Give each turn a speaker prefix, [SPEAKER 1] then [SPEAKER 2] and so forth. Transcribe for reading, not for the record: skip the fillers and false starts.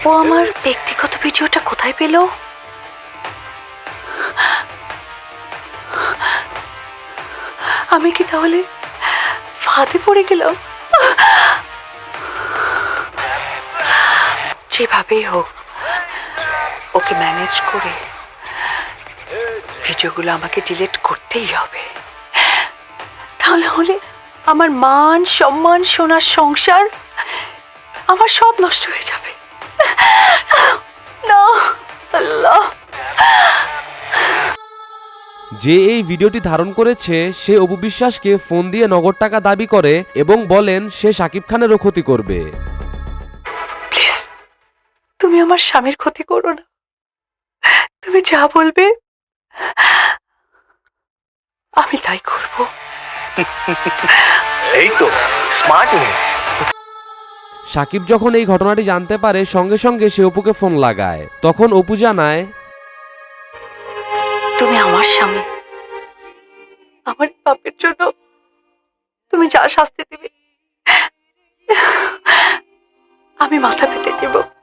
[SPEAKER 1] ও আমার ব্যক্তিগত ভিডিওটা কোথায় পেল? আমি কি তাহলে ফাঁদে পড়ে গেলাম? যেভাবেই হোক ওকে ম্যানেজ করে ভিডিওগুলো আমাকে ডিলিট করতেই হবে। তাহলে হলে আমার মান সম্মান সোনার সংসার আমার সব নষ্ট হয়ে যাবে। না আল্লাহ।
[SPEAKER 2] যে এই ভিডিওটি ধারণ করেছে সে অপু বিশ্বাসকে ফোন দিয়ে নগদ টাকা দাবি করে এবং বলেন সে শাকিব খানেরও ক্ষতি করবে।
[SPEAKER 1] প্লিজ তুমি আমার স্বামীর ক্ষতি করো না। তুমি যা বলবে আমি তাই করব।
[SPEAKER 3] এই তো স্মার্ট মেয়ে।
[SPEAKER 2] শাকিব যখন এই ঘটনাটি জানতে পারে সঙ্গে সঙ্গে সে অপুকে ফোন লাগায়। তখন অপু জানায়,
[SPEAKER 1] তুমি আমার স্বামী, আমার পাপের জন্য তুমি যা শাস্তি দিবে আমি মাথা পেতে নেব।